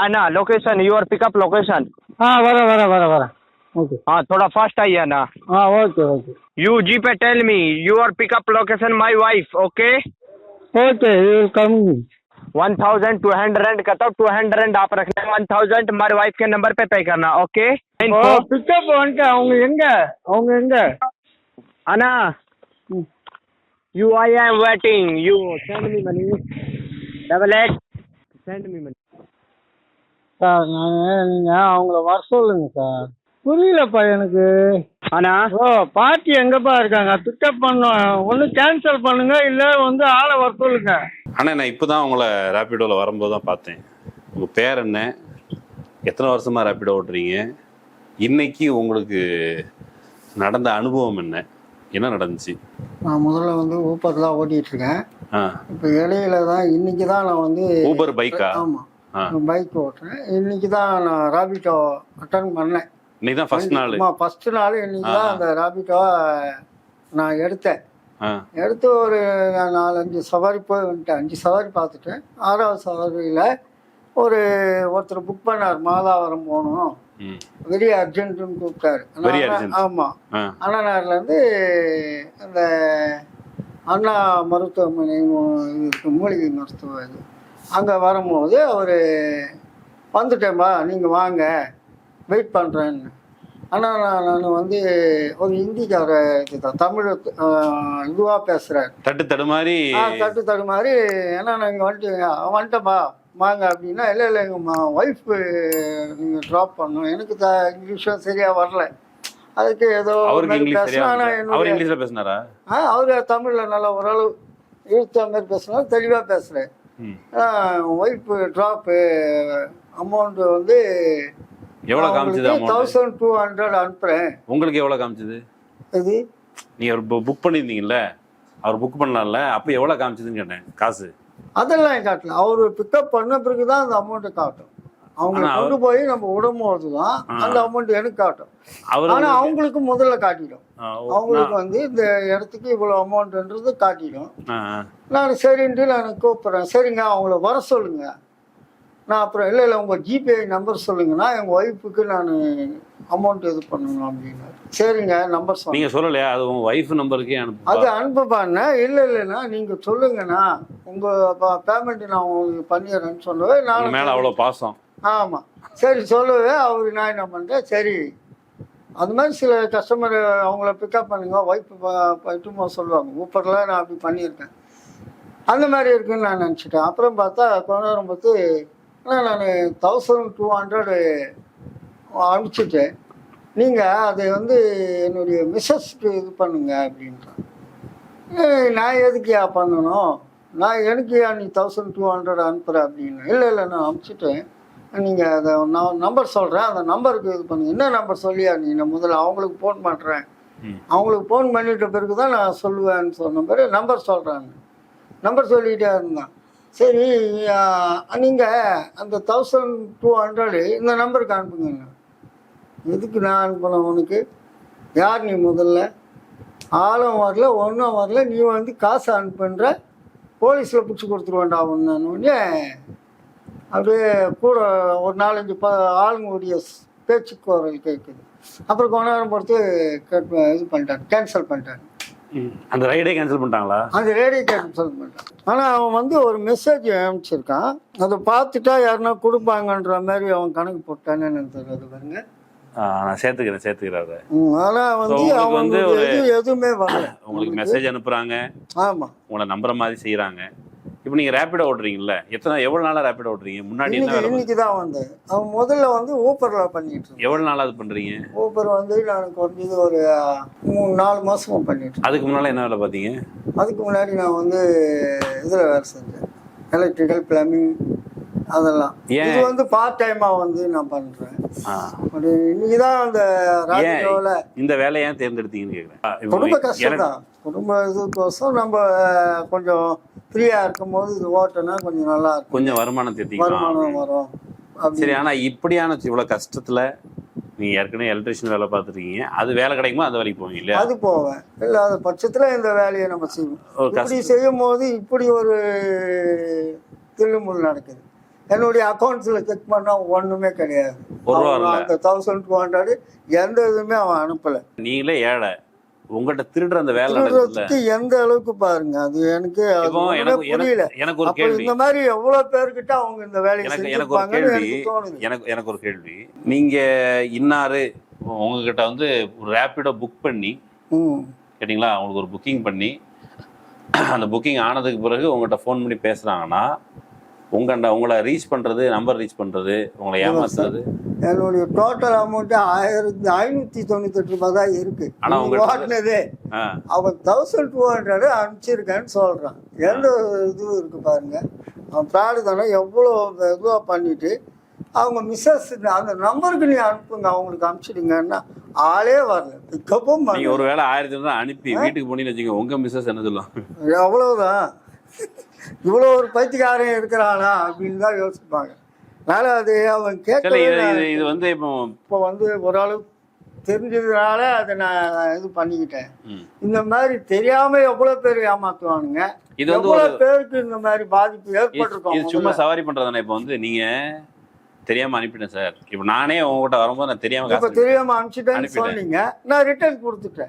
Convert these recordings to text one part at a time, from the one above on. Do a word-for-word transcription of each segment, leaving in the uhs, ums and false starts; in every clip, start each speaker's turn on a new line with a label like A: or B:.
A: Anna, location, your pickup location.
B: हाँ वरा वरा वरा वरा ओके
A: हाँ थोड़ा फास्ट आइए ना.
B: हाँ ओके ओके
A: You G पे tell me your pickup location my wife, okay?
B: Okay you will come
A: One thousand two hundred कहता हूँ two hundred आप रखना one thousand हमारे वाइफ के नंबर पे पे करना, ओके?
B: ஓ பிக்கப் வந்துட்டு அவங்க எங்க அவங்க எங்க
A: Anna,
B: ம்.
A: you I am waiting. You send me money. Double eight. Send me money.
B: Sir நான் நீங்க அவங்கள வர சொல்லுங்க சார் புரியலப்பா எனக்கு.
A: Anna.
B: ஓ பார்ட்டி எங்கப்பா இருக்காங்க பிக்கப் பண்ண ஒன்று கேன்சல் பண்ணுங்க இல்லை வந்து ஆளை வர சொல்லுங்க.
C: ஆனால் நான் இப்போ தான் உங்களை ரேப்பிடோவில் வரும்போது தான் பார்த்தேன். உங்கள் பேர் என்ன, எத்தனை வருஷமாக ரேப்பிடோ ஓட்டுறீங்க, இன்னைக்கு உங்களுக்கு நடந்த அனுபவம் என்ன, என்ன நடந்துச்சு?
D: நான் முதல்ல வந்து ஊப்பர் தான் ஓட்டிகிட்டு இருக்கேன்.
C: ஆ
D: இப்போ இடையில தான் இன்னைக்கு தான் நான் வந்து
C: ஊபர் பைக்கா?
D: ஆமாம் பைக் ஓட்டுறேன். இன்னைக்கு தான் நான் ராபிட்டோ அட்டன் பண்ணேன்.
C: இன்னைக்கு தான் ஃபர்ஸ்ட் நாள்.
D: ஆமாம் ஃபர்ஸ்ட் நாள் இன்னைக்கு தான் அந்த ராபிட்டோவை நான் எடுத்தேன்.
C: ஆ
D: எடுத்து ஒரு நாலஞ்சு சவாரி போய் வந்துட்டேன். அஞ்சு சவாரி பார்த்துட்டேன். ஆறாவது சவாரியில் ஒரு ஒருத்தர் புக் பண்ணார், மாதாவரம் போகணும்,
C: ம்
D: வெரி அர்ஜென்ட்டுன்னு கூப்பிட்டாரு.
C: Very urgent.
D: ஆமாம்
C: ஆ
D: அண்ணனார்லேருந்து அந்த அண்ணா மருத்துவமனை இது இருக்கு, மூலிகை மருத்துவ இது, அங்கே வரும்போது அவர் வந்துட்டேன்பா நீங்கள் வாங்க வெயிட் பண்ணுறேன்னு. ஆனால் நான் நான் வந்து ஒரு ஹிந்திக்கார இதுதான், தமிழ் இதுவாக பேசுகிறேன்.
C: தட்டு தடு மாதிரி.
D: ஆ தட்டு தடு மாதிரி. ஏன்னா நான் இங்கே வந்துட்டு வந்துட்டேன்பா வாங்க அப்படின்னா, இல்லை இல்லை எங்கள் ஒய்ஃபு நீங்கள் ட்ராப் பண்ணணும், எனக்கு த இங்கிலீஷும் சரியாக வரல, அதுக்கு ஏதோ
C: அவருக்கு இங்கிலீஷ் சரியா
D: பேசினா. ஆனால்
C: அவர்
D: என்னுடைய
C: இங்கிலீஷ்ல பேசினாரா?
D: ஆ அவர் தமிழில் நல்லா ஓரளவு இழுத்த மாதிரி பேசுனாலும் தெளிவாக பேசுகிறேன்.
C: ம்
D: ஒய்ஃபு ட்ராப்பு அமௌண்ட்டு வந்து
C: எவ்வளோ காமிச்சது அமௌண்ட்?
D: தௌசண்ட் டூ ஹண்ட்ரட் அனுப்புகிறேன்.
C: உங்களுக்கு எவ்வளோ காமிச்சது?
D: இது
C: நீங்கள் புக் பண்ணியிருந்தீங்கல்ல, அவர் புக் பண்ணலாம்ல, அப்போ எவ்வளோ காமிச்சதுன்னு கேட்டேன் காசு.
D: அதெல்லாம் காட்டல. அவர் பிக்கப் பண்ண பிறகு தான் அந்த அமௌண்ட்டை காட்டும். அவங்க கொண்டு போய் நம்ம விடும்போது தான் அந்த அமௌண்ட் எனக்கு காட்டும். ஆனால் அவங்களுக்கு முதல்ல காட்டிடும். அவங்களுக்கு வந்து இந்த இடத்துக்கு இவ்வளோ அமௌண்ட்ன்றது காட்டிடும். நான் சரின்ட்டு நான் கூப்பிட்றேன். சரிங்க அவங்கள வர சொல்லுங்க. நான் அப்புறம் இல்லை இல்லை உங்கள் ஜிபே நம்பர் சொல்லுங்கன்னா எங்கள் ஒய்ஃபுக்கு நான் அமௌண்ட் இது பண்ணணும் அப்படின்னு. சரிங்க நம்பர் சொல்லுங்க.
C: நீங்கள் சொல்லலையா அது உங்கள் ஒய்ஃப் நம்பருக்கே அனுப்பு?
D: அது அனுப்புப்பாண்ணே. இல்லை இல்லைண்ணா நீங்கள் சொல்லுங்கண்ணா உங்கள் பேமெண்ட்டு நான் உங்களுக்கு பண்ணிடுறேன்னு சொல்லவே நான்
C: மேலே அவ்வளோ பாசம்.
D: ஆமாம் சரி சொல்லவே அவர் நான் என்ன பண்ணுறேன், சரி அது மாதிரி சில கஸ்டமர் அவங்கள பிக்கப் பண்ணுங்க ஒய்ஃபு பட்டுமா சொல்லுவாங்க. ஊப்பரில் நான் அப்படி பண்ணியிருக்கேன். அந்த மாதிரி இருக்குன்னு நான் நினச்சிட்டேன். அப்புறம் பார்த்தா கொஞ்ச நேரம் பார்த்து ஆனால் நான் தௌசண்ட் டூ ஹண்ட்ரடு அனுப்பிச்சிட்டேன். நீங்கள் அதை வந்து என்னுடைய மிஸ்ஸஸ்க்கு இது பண்ணுங்க அப்படின்றான். நான் எதுக்குயா பண்ணணும், நான் எனக்கு ஏன் நீ தௌசண்ட் டூ ஹண்ட்ரட் அனுப்புகிற அப்படின்னு. இல்லை இல்லை நான் அனுப்பிச்சிட்டேன், நீங்கள் அதை நான் நம்பர் சொல்கிறேன் அந்த நம்பருக்கு இது பண்ணுங்க. என்ன நம்பர் சொல்லியா நீ, நான் முதல்ல அவங்களுக்கு ஃபோன் பண்ணுறேன், அவங்களுக்கு ஃபோன் பண்ணிட்ட பிறகு தான் நான் சொல்லுவேன்னு சொன்ன பிறகு நம்பர் சொல்கிறாங்க. நம்பர் சொல்லிகிட்டே இருந்தான். சரி நீங்கள் அந்த தௌசண்ட் டூ ஹண்ட்ரடு இந்த நம்பருக்கு அனுப்புங்க. எதுக்கு நான் அனுப்பணும் உனக்கு, யார் நீ, முதல்ல ஆளும் வரல ஒன்றும் வரல, நீ வந்து காசு அனுப்புன்ற, போலீஸில் பிடிச்சி கொடுத்துருவேண்டா ஒன்று. அப்படியே கூட ஒரு நாலஞ்சு ப ஆளுங்களுடைய பேச்சு குரல் கேட்குது. அப்புறம் கொஞ்ச நேரம் பொறுத்து கேட் இது பண்ணிட்டாங்க, கேன்சல் பண்ணிட்டாங்க.
C: அந்த ரைடே கேன்சல் பண்ணிட்டாங்களா?
D: அந்த ரைடே கேன்சல் பண்ணிட்டான். ஆனால் அவன் வந்து ஒரு மெசேஜ் அனுப்பிச்சிருக்கான், அதை பார்த்துட்டா யாருன்னா கொடுப்பாங்கன்ற மாதிரி அவன் கணக்கு போட்டானே எனக்கு தெரியாது பாருங்க.
C: நான் சேர்த்துக்கிறேன் சேர்த்துக்கிறேன்.
D: ஆனால் வந்து அவங்க வந்து எதுவுமே வரல.
C: உங்களுக்கு மெசேஜ் அனுப்புறாங்க, ஆமாம் உங்களை நம்புற மாதிரி செய்யறாங்க. இப்போ நீங்கள் ரேப்பிடோ ஓட்டுறீங்கல்ல, எத்தனை எவ்வளோ நாளாக ரேப்பிடோ ஓட்டுறீங்க? முன்னாடி
D: இன்னைக்கு தான் வந்து அவன் முதல்ல வந்து ஊப்பரில் பண்ணிட்டு இருக்கேன்.
C: எவ்வளோ நாளாக அது பண்ணுறீங்க?
D: ஊப்பர் வந்து நான் குறைஞ்சது ஒரு மூணு நாலு மாதமாக பண்ணிட்டு.
C: அதுக்கு முன்னால் என்ன வேலை பார்த்தீங்க?
D: அதுக்கு முன்னாடி நான் வந்து இதில் வேலை செஞ்சேன், எலக்ட்ரிக்கல் பிளம்பிங் அதெல்லாம். இது வந்து பார்ட் டைமாக வந்து நான் பண்ணுறேன். அப்படி இன்னைக்கு தான் அந்த ராஜோவில்
C: இந்த வேலையை ஏன் தேர்ந்தெடுத்தீங்கன்னு கேட்குறேன்.
D: குடும்ப கஷ்டம் தான், குடும்ப இதுக்கோசம் நம்ம கொஞ்சம் ஃப்ரீயாக இருக்கும் போது இது ஓட்டனா கொஞ்சம் நல்லா இருக்கும்,
C: கொஞ்சம் வருமானம் தேர்த்தி
D: வருமானம் வரும்.
C: சரி, ஆனால் இப்படியான இவ்வளோ கஷ்டத்தில் நீங்கள் ஏற்கனவே எலக்ட்ரிஷியன் வேலை பார்த்துருக்கீங்க, அது வேலை கிடைக்குமா அந்த வேலைக்கு போவீங்க இல்லையா?
D: அது போவேன். இல்லாத பட்சத்தில் இந்த வேலையை நம்ம செய்வோம். இப்படி செய்யும் போது இப்படி ஒரு தில்லுமுள் நடக்குது. என்னுடைய அக்கௌண்ட்ஸில் செக் பண்ணால் ஒன்றுமே கிடையாது.
C: ஒரு ரூபா
D: அவன்
C: இல்ல.
D: அந்த தௌசண்ட் டூ ஹண்ட்ரட் எந்த இதுவுமே அவன் அனுப்பலை.
C: நீங்களே ஏழை, உங்கள்கிட்ட திருடுற அந்த வேலை நடக்குதுல்ல.
D: திருடுறதுக்கு எந்த அளவுக்கு பாருங்க, அது எனக்கு அது
C: இப்போ
D: ஒண்ணுமே
C: எனக்கு
D: புரியல.
C: எனக்கு எனக்கு ஒரு
D: அப்போ
C: கேள்வி,
D: இந்த மாதிரி எவ்வளவு பேர்கிட்ட அவங்க இந்த வேலையை
C: எனக்கு எனக்கு ஒரு
D: செஞ்சிருப்பாங்கன்னு
C: கேள்வி
D: எனக்கு தோணுது.
C: எனக்கு எனக்கு ஒரு கேள்வி. நீங்க இன்னாரு உங்ககிட்ட வந்து ஒரு ரேப்பிடோ புக் பண்ணி
D: ம்
C: கேட்டிங்களா, அவங்களுக்கு ஒரு புக்கிங் பண்ணி அந்த புக்கிங் ஆனதுக்கு பிறகு உங்கள்கிட்ட ஃபோன் பண்ணி பேசுறாங்கன்னா உங்கள்கிட்ட உங்களை ரீச் பண்றது, நம்பர் ரீச் பண்றது, உங்களை ஏமாத்துறது,
D: என்னுடைய டோட்டல் அமௌண்ட் ஆயிரத்தி ஐநூத்தி தொண்ணூத்தி எட்டு ரூபாய் தான் இருக்கு.
C: ஆனா உங்க
D: ஓட்டினதே அவன் தௌசண்ட் டூ ஹண்ட்ரட் அனுப்பிச்சிருக்கேன்னு சொல்றான். எந்த இதுவும் இருக்கு பாருங்க. அவன் ப்ராடு தானே எவ்வளோ இதுவாக பண்ணிட்டு அவங்க மிஸ்ஸஸ் அந்த நம்பருக்கு நீ அனுப்புங்க, அவங்களுக்கு அனுப்பிச்சிடுங்கன்னா ஆளே வரல, பிக்கப்பும்
C: நீங்க ஒரு வேளை ஆயிரத்தி ரூபாய் அனுப்பி வீட்டுக்கு போனீங்கன்னு வச்சுக்கோங்க, உங்க மிஸ்ஸஸ் என்ன சொல்லுவாங்க?
D: அவ்வளவுதான், இவ்வளோ ஒரு பைத்தியக்காரன் இருக்கிறானா அப்படின்னு தான் யோசிப்பாங்க. அதனால அது அவன் கேட்கல.
C: இது வந்து இப்போ
D: இப்போ வந்து ஓரளவு தெரிஞ்சதுனால அதை நான் இது பண்ணிக்கிட்டேன். இந்த மாதிரி தெரியாம எவ்வளவு பேர் ஏமாத்துவானுங்க,
C: இது வந்து
D: எவ்வளவு பேருக்கு இந்த மாதிரி பாதிப்பு ஏற்பட்டிருக்கோம்.
C: இது சும்மா சவாரி பண்றதானே. இப்போ வந்து நீங்க தெரியாம அனுப்பிட்டேன் சார், இப்போ நானே உங்ககிட்ட வரும்போது நான் தெரியாம
D: இப்ப தெரியாம அனுப்பிச்சிட்டேன்னு சொன்னீங்க, நான் ரிட்டர்ன் கொடுத்துட்டேன்.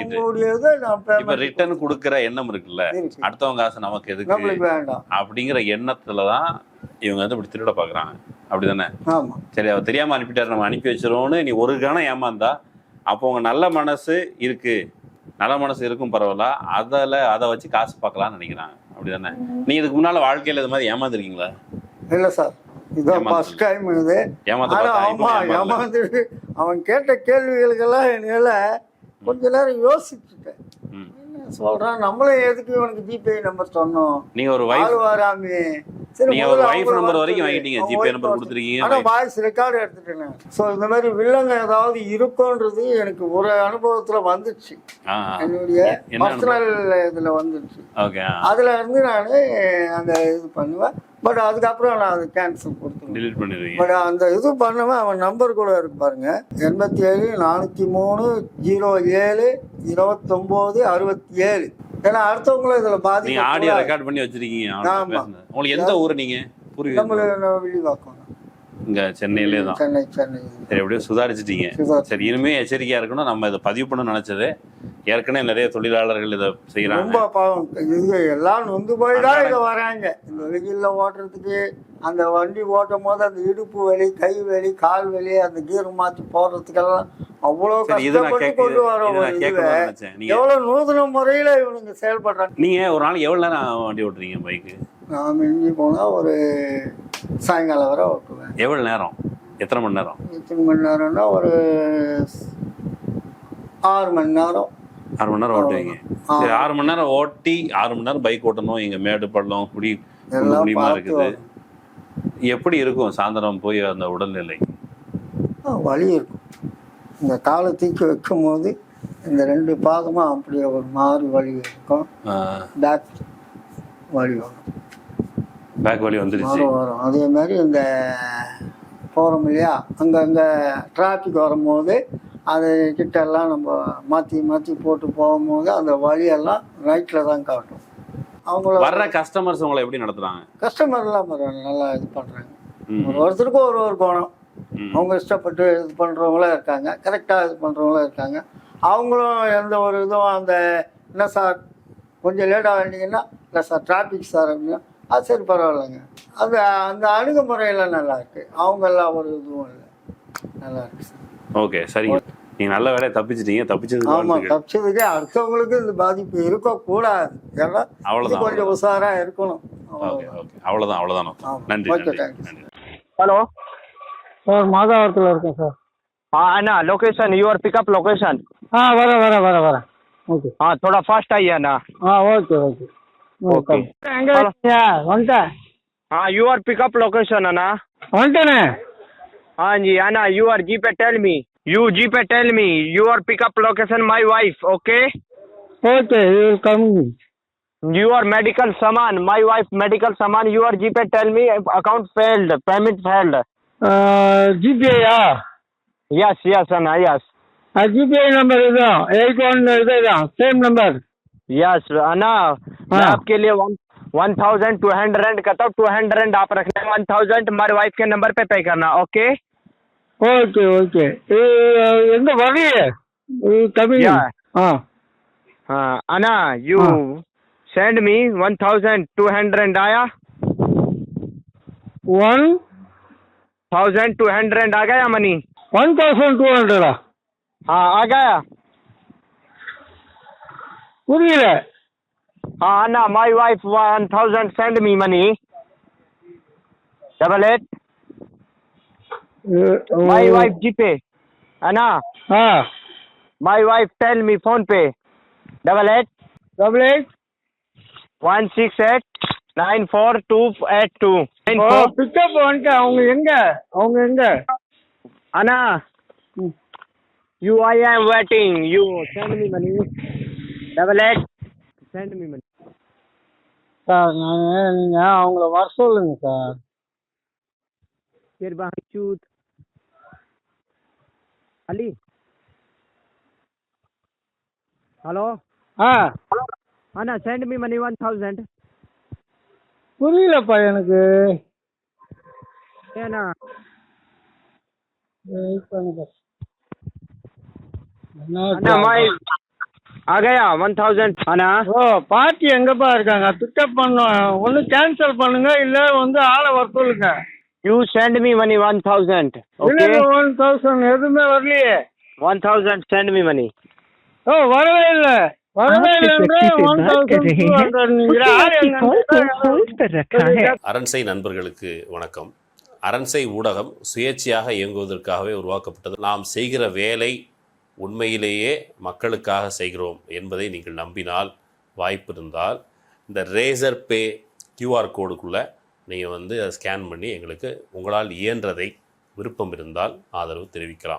C: இப்ப ரிட்டர்ன் கொடுக்கற எண்ணம் இருக்குல்ல, அடுத்தவங்க காசு நமக்கு எதுக்கு
D: வேண்டாம்
C: அப்படிங்கிற எண்ணத்துலதான் இவங்க வந்து இப்படி திருட பாக்குறாங்க, அப்படிதானே?
D: ஆமா.
C: சரி, அவர் தெரியாம அனுப்பிட்டாரு, நம்ம அனுப்பி வச்சிருவோம்னு நீ ஒரு கணம் ஏமாந்தா அப்போ உங்க நல்ல மனசு இருக்கு, நல்ல மனசு இருக்கும் பரவாயில்ல, அதில் அதை வச்சு காசு பார்க்கலாம்னு நினைக்கிறாங்க, அப்படிதானே? நீ இதுக்கு முன்னால வாழ்க்கையில இது மாதிரி ஏமாந்துருக்கீங்களா?
D: இல்ல சார், இதான் ஃபர்ஸ்ட் டைம் இது. ஆமா, ஏமாந்துட்டு அவன் கேட்ட கேள்விகளுக்கெல்லாம் என்னால கொஞ்ச நேரம் யோசிச்சுட்டேன். சொல்றான், நம்மளும் எதுக்கு இவனுக்கு ஜிபே நம்பர் சொன்னோம்,
C: நீங்க ஒரு வைஃப்
D: வராமே,
C: நீங்க ஒரு வைஃப் நம்பர் வரைக்கும் வாங்கிட்டீங்க, ஜிபே நம்பர் கொடுத்துருக்கீங்க,
D: ஆனா வாய்ஸ் ரெக்கார்டு எடுத்துட்டேன். சோ இந்த மாதிரி வில்லங்க ஏதாவது இருக்கும்ன்றது எனக்கு ஒரு அனுபவத்துல வந்துச்சு, என்னுடைய பர்சனல் இதுல வந்துச்சு. அதுல இருந்து நானு அந்த இது பண்ணுவேன். பட் அதுக்கப்புறம் நான் அதை கேன்சல் கொடுத்துருவேன். பட் அந்த இது பண்ணுவேன். அவன் நம்பர் கூட இருக்கு பாருங்க, எண்பத்தி ஏழு நானூத்தி மூணு ஜீரோ ஏழு இருபத்தொன்பது அறுபத்தி ஏழு. ஏன்னா அடுத்தவங்களும் இதுல பாதி
C: ஆடியோ ரெக்கார்ட் பண்ணி வச்சிருக்கீங்க. உங்களுக்கு எந்த ஊர் நீங்க?
D: வில்லிவாக்கம்,
C: இங்க சென்னையிலே தான்.
D: சென்னை சென்னை.
C: சரி, எப்படியோ சுதாரிச்சிட்டீங்க. சரி, இனிமே எச்சரிக்கையா இருக்கணும். நம்ம இதை பதிவு பண்ண நினைச்சது, ஏற்கனவே நிறைய தொழிலாளர்கள் இதை செய்யறாங்க.
D: ரொம்ப பாவம், இது எல்லாம் நொந்து போய் தான் இங்க வராங்க. இந்த வெயில்ல ஓட்டுறதுக்கு, அந்த வண்டி ஓட்டும் போது அந்த இடுப்பு வலி, கை வலி, கால் வலி, அந்த கீர் மாத்தி போடுறதுக்கெல்லாம் அவ்வளவு கஷ்டப்பட்டு கொண்டு வரோம். எவ்வளவு நூதன முறையில இவனுங்க செயல்படுறாங்க.
C: நீங்க ஒரு நாளைக்கு எவ்வளவு நேரம் வண்டி ஓட்டுறீங்க பைக்கு?
D: நான் மிஞ்சி போனா ஒரு சாயங்காலம் வரை ஓட்டுவேன்.
C: எவ்வளவு நேரம்? எத்தனை மணி நேரம்?
D: எத்தனை மணி நேரம்னா ஒரு ஆறு மணி நேரம்.
C: ஆறு மணி நேரம் ஓட்டுவீங்க. சரி, ஆறு மணி நேரம் ஓட்டி ஆறு மணி நேரம் பைக் ஓட்டணும். இங்க மேடு பள்ளம் குடி முடியுமா இருக்குது. எப்படி இருக்கும் சாயந்தரம் போய் அந்த உடல்நிலை?
D: வலி இருக்கும். இந்த காலை தூக்கி வைக்கும் போது இந்த ரெண்டு பாதமும் அப்படியே ஒரு மாதிரி வலி இருக்கும். பேக் வலி வரும்.
C: பேக் வலி வந்துருச்சு
D: வரும். அதே மாதிரி இந்த போகிறோம் இல்லையா, அங்கங்கே டிராஃபிக் வரும்போது அது கிட்டெல்லாம் நம்ம மாற்றி மாற்றி போட்டு போகும்போது அந்த வழியெல்லாம் நைட்டில் தான் காட்டும். அவங்கள
C: வர்ற கஸ்டமர்ஸ் உங்களை எப்படி நடத்துகிறாங்க?
D: கஸ்டமர்லாம் நல்லா இது பண்ணுறாங்க. ஒரு ஒருத்தருக்கும் ஒரு ஒரு கோணம். அவங்க இஷ்டப்பட்டு இது பண்ணுறவங்களும் இருக்காங்க, கரெக்டாக இது பண்ணுறவங்களும் இருக்காங்க. அவங்களும் எந்த ஒரு இதுவும் அந்த என்ன சார் கொஞ்சம் லேட்டாக வேண்டிங்கன்னா, இல்லை சார் டிராஃபிக் சார் அப்படின்னா, அது சரி பரவாயில்லைங்க. அது அந்த அணுகுமுறையெல்லாம் நல்லா இருக்கு. அவங்கெல்லாம் ஒரு இதுவும் இல்லை, நல்லா இருக்கு சார்.
C: ஓகே, சரிங்க. நீங்க நல்ல வேலையை தப்பிச்சிட்டீங்க. தப்பிச்சது
D: ஆமா, தப்பிச்சதுக்கே அடுத்தவங்களுக்கு இந்த பாதிப்பு இருக்கக்கூடாது. ஏன்னா அவ்வளவுதான், கொஞ்சம் உஷாரா இருக்கணும்.
C: அவ்வளவுதான் அவ்வளவுதான். நன்றி.
A: ஹலோ
B: சார், மாதாவரத்தில் இருக்கேன் சார்.
A: ஆ அண்ணா, லொகேஷன் யுவர் பிக்கப் லொகேஷன்.
B: ஆ வர வர வர வர ஓகே.
A: ஆ थोड़ा फास्ट आइए अண்ணா.
B: ஆ ஓகே ஓகே
A: ஓகே.
B: எங்க இருக்கீங்க? வந்துட்டேன்.
A: ஆ யுவர் பிக்கப் லொகேஷன் அண்ணா.
B: வந்துட்டேனே.
A: हाँ जी अना, you are G पे tell me, you G पे tell me your pickup location my wife, okay?
B: Okay, you will come.
A: Your medical saman, my wife medical saman, you are G पे tell me account failed, payment failed.
B: Uh, G P I yeah.
A: Yes, yes Anna, yes.
B: Uh, G P I number is eight one is same number.
A: Yes Anna, मैं आपके लिए one one thousand two hundred का तो two hundred आप रखना, one thousand हमारे wife के number पे पे करना. Okay
B: okay okay. எங்க வரலையே தமிழ்?
A: Yeah.
B: ஆ
A: हाँ अना यू
B: हाँ.
A: Send me one thousand two hundred आया,
B: ஒன்
A: थाउजेंड टू हंड्रेड आ गया मनी?
B: ஒன் தௌசண்ட் டூ ஹண்ட்ரடா?
A: हाँ आ गया.
B: புரியல.
A: हाँ अना my wife one thousand send me money double eight my wife ji pay अना
B: ஆ
A: my wife tell me PhonePe double eight
B: double eight
A: one six eight nine four two eight two nine
B: o
A: four.
B: Pickup வந்துட்டு அவங்க எங்க அவங்க எங்க?
A: अना
B: ம்.
A: you I am waiting, you send me money double eight send me money.
B: Sir நான் நீங்கள் அவங்கள வர சொல்லுங்க சார்.
A: फिर बाहर चूत अली हेलो
B: ஆ
A: अना send me money one thousand.
B: புரியலப்பா எனக்கு.
A: है ना
B: வெயிட் பண்ணுங்க.
A: अना माई आ गया वन थाउजेंड. अना
B: ஓ பார்ட்டி எங்கப்பா இருக்காங்க? பிக்கப் பண்ணோம். ஒன்று கேன்சல் பண்ணுங்க இல்லை வந்து ஆளை வர சொல்லுங்க.
A: you send me money one thousand.
B: இல்லை
A: okay
B: ஒன் தௌசண்ட் எதுவுமே வரலையே.
A: one thousand send me money.
B: ஓ வரவே இல்லை வரவே இல்லைன்ற ஒன் தௌசண்ட் டூ ஹண்ட்ரட் நீங்கள் யார் எங்க?
C: அரண்சை நண்பர்களுக்கு வணக்கம். அரண்சை ஊடகம் சுயேட்சையாக இயங்குவதற்காகவே உருவாக்கப்பட்டது. நாம் செய்கிற வேலை உண்மையிலேயே மக்களுக்காக செய்கிறோம் என்பதை நீங்கள் நம்பினால், வாய்ப்பு இருந்தால் இந்த ரேசர் பே கியூஆர் கோடுக்குள்ளே நீங்கள் வந்து அதை ஸ்கேன் பண்ணி எங்களுக்கு உங்களால் இயன்றதை விருப்பம் இருந்தால் ஆதரவு தெரிவிக்கலாம்.